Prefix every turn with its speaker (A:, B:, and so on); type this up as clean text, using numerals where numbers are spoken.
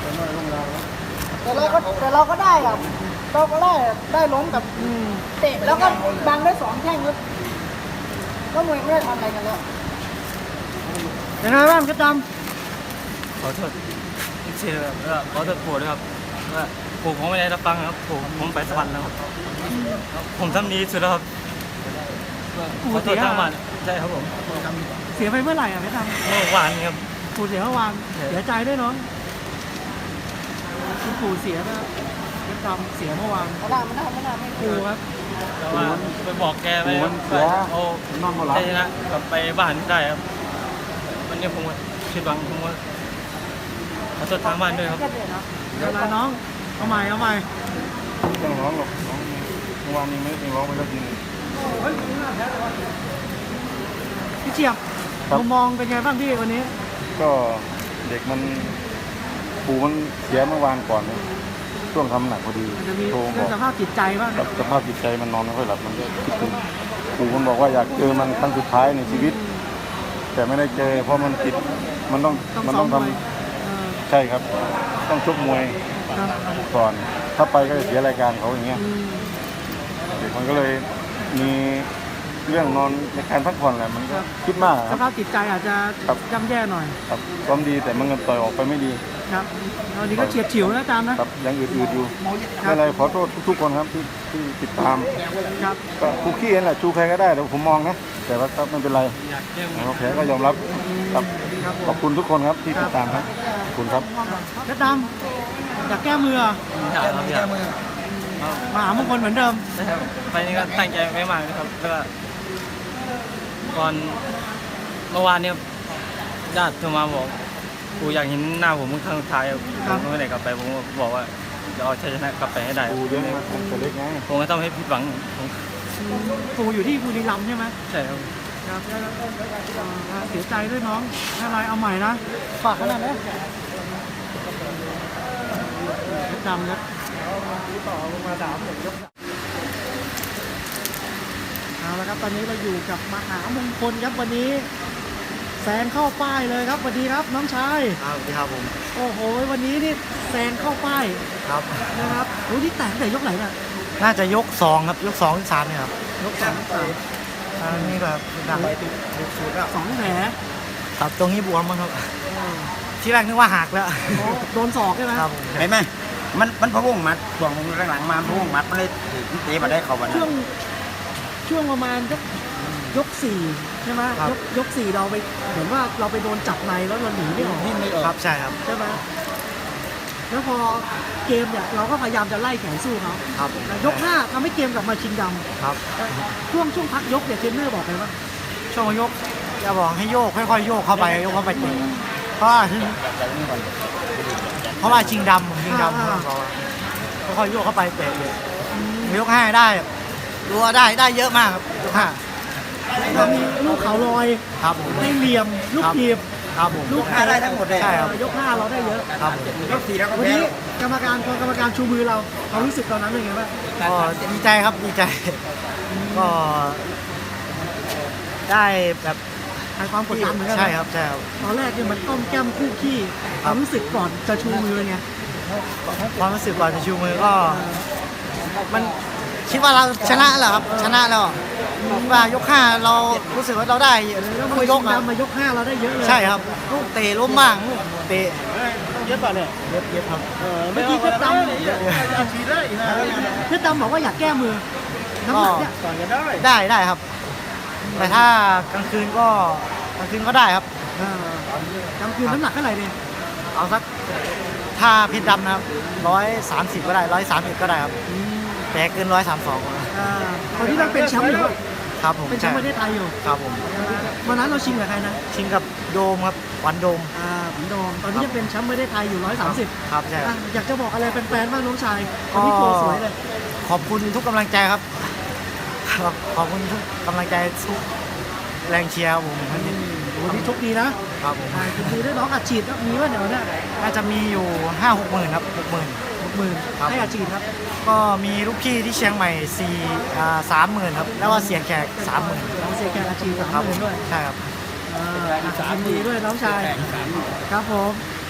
A: แต่เราก็ได้ครับเราก็ได้ล้มกับเตะแล้วก็บังได้2แข้งก็มวยไม่ได้ทำอะไรกันแล้วเป็นไงบ้างกระจำ
B: ขอโทษอีกทีครับแล้วขอโทษปู่ด้วยครับว่าปู่ผมไม่ได้รับฟังครับปู่ผมไปสวรรค์แล้วครับผมทำดีสุดแล้วครับขอโทษทางบ้านใช่ครับผม
A: เสียไปเมื่อไหร่อ่ะไม่ทำ
B: เมื่อวานครับ
A: ปู่เสียเมื่อวานเสียใจด้วยน้องคุณปู่เสียนะกระจำเสียเมื่อวานไม่ได้ปู่ครับ
B: แต่ว่าไปบอกแกไปเอาได้ชนะกลับไปบ้านได้ครับวันนี้ผมคิดหวังผมว่าขอโทษทางบ้านด้วยครับ
A: เวลาน้องเอาใหม่
C: ไม่ต้องร้องหรอกน้องเมื่อวานนี้ไม่ต้องร้องไปแล้วจริง
A: พี่เฉียบมองเป็นไงบ้างพี่วันนี้
C: ก็เด็กมันปู่มันเสียเมื่อวานก่อนช่วงทำหนักพอดี
A: โทรบอกสภาพจิตใจบ้าง
C: สภาพจิตใจมันนอนไม่ค่อยหลับมันก็คิดถึงปู่มันบอกว่าอยากเจอมันครั้งสุดท้ายในชีวิตแต่ไม่ได้เจอเพราะมันติดมันต้องทำใช่ครับต้องชกมวยก่อนถ้าไปก็จะเสียรายการเขาอย่างเงี้ยเด็กมันก็เลยมีเรื่องนอนในการพักผ่อนแหละมันก็คิดมาก
A: สภาพจิตใจอาจจะย่ำแย่หน่อย
C: ครับซ้อมดีแต่มันต่อยออกไปไม่ดี
A: ครับตอนนี้ก็เฉียดฉิวนะอาจารย์นะครับ
C: ยังอืดๆอยู่ไม่เป็นไรขอโทษทุกคนครับที่ติดตาม
A: ครับ
C: ก็คู่ขี้นั่นแหละชูใครก็ได้แต่ผมมองนะแต่ว่าไม่เป็นไรเราแพ้ก็ยอมรับครับขอบคุณทุกคนครับที่ติดตามครับขอบคุณครับ
A: กระดำอยากแก้มือ
B: แก้มือ
A: มหามงคลเหมือนเดิม
B: นะครับไปนี้ก็ตั้งใจไม่มากนะครับแล้วก็ก่อนเมื่อวานเนี่ยญาติโทรมาบอกกูอยากเห็นหน้าผมครั้งสุดท้ายผมไม่ได้กลับไปผมบอกว่าจะเอาชัยชนะกลับไปให้ได้
C: ปูเยอะไหมตัวเล็กไง
B: ผมก็ต้องให้ผิดหวัง
A: ปูอยู่ที่บุรีรัมย์ใช่ไหม
B: ใช่ครับ
A: เสียใจด้วยน้องอะไรเอาใหม่นะฝากขนาดนี้จำนะต่อลงมา3 ยกเอาละครับตอนนี้เราอยู่กับมหามงคลครับวันนี้แซงเข้าป้ายเลยครับสวัสดีครับน้องชาย
B: สวัสดีครับผม
A: โอ้โหวันนี้นี่แซงเข้าป้าย
B: ครับ
A: นะครับโอ้ที่แต่งแต่ยกไหนน่ะ
B: น่าจะยก2ครับยก2 3เนี่ยครับ
A: ยก2 3
B: นี่แบบดัง
A: สุดๆ2 แผล
B: ครับตรงนี้บวมมั้งครับที่แรกนึกว่าหักแล้ว
A: โดนศอกใช่ไหม
B: ครับ
D: เห็นไหมมันพะวงมัดช่วงหลังๆมาพะวงมัดมันเลยเตะมาได้เข้ามา
A: ช่วงประมาณยก4ใช่ไหมยก4เราไปเหมือนว่าเราไปโดนจับในแล้วเราหนีไม่ออก
B: ครับใช่ครับ
A: ใช่ไหมแล้วพอเกมเนี่ยเราก็พยายามจะไล่แข่งสู้เขา
B: ครับ
A: ยก5ทำให้เกมกลับมาชิงดำ
B: ครับ
A: ช่วงพักยกเนี่ยเทรนเนอร์บอกไงว่า
B: ช่วงยกจะบอกให้โยกค่อยๆโยกเข้าไปโยกเข้าไปเตะเพราะว่าชิงดำค่อยๆโยกเข้าไปเตะยก5ได้รัวได้เยอะมากครับยก5
A: เรามีลูกเขาลอย
B: ครับ
A: ได้เหลี่ยมลูกทีบ
B: ครับผม
A: ลูก
D: ได้ทั้งหมดเลย
B: ใช่ครับ
A: ยก5เราได้เยอะ
B: ครับ
D: ยก4แล้วก็
A: วันนี้กรรมการชูมือเรารู้สึกตอนนั้นเป็นไงบ้าง
B: ก็ดีใจครับดีใจก็ได้แบบ
A: ให้ความกดดันเหมือนกัน
B: ใช่ครับใช่ครับ
A: ตอนแรกเนี่ยมันต้มแก้มคู่ขี้ความรู้สึกก่อนจะชูมือไง
B: ความรู้สึกก่อนจะชูมือก็มันคิดว่าเราชนะแล้วครับชนะแล้วว่ายก5เรารู้สึกว่าเราได้
A: มายก5เราได้เยอะเลย
B: ใช่ครับลูกเตะล้มบ้างลูกเตะ
A: เยอะป่ะเนี่ยเยอะครับเมื่อกี้เพชรดำบอกว่าอยากแก้มือน้ำหนักเนี่ย
B: ได้ครับแต่ถ้ากลางคืนก็ได้ครับ
A: กลางคืนน้ำหนักเท่าไหร่เนี่ย
B: เอาสักถ้าเพชรดำนะครับ130ก็ได้130ก็ได้ครับแต่เกิน
A: ตอนนี้เราเป็นแชมป์อยู่
B: ครับผม
A: เป็นแชมป์ประเทศไทยอยู่
B: ครับผม
A: วันนั้นเราชิงกับใครนะ
B: ชิงกับโดมครับวันโดม
A: วันโดมตอนนี้จะเป็นแชมป์ประเทศไทยอยู่130
B: ครับใช่
A: อยากจะบอกอะไรแฟนๆบ้างน้องชายวันนี้โชว์สวยเลย
B: ขอบคุณทุกกำลังใจครับขอบคุณทุกกำลังใจทุกแรงเชียร์ผม
A: วันนี้โชคดีนะครับผมดีด้วยน้องอัดฉีดมีว่าเดี๋ยวเนี่ย
B: น่าจะมีอยู่5-6 หมื่นครับ
A: 60,000ให้อัดฉีดครับ
B: ก็มีลูกพี่ที่เชียงใหม่30,000ครับแล้วก็เสียงแขก30,000
A: เสียงแขกอัดฉีด30,000ด้วย
B: ใช่ครับ
A: ยินดีด้วยน้องชายครับผม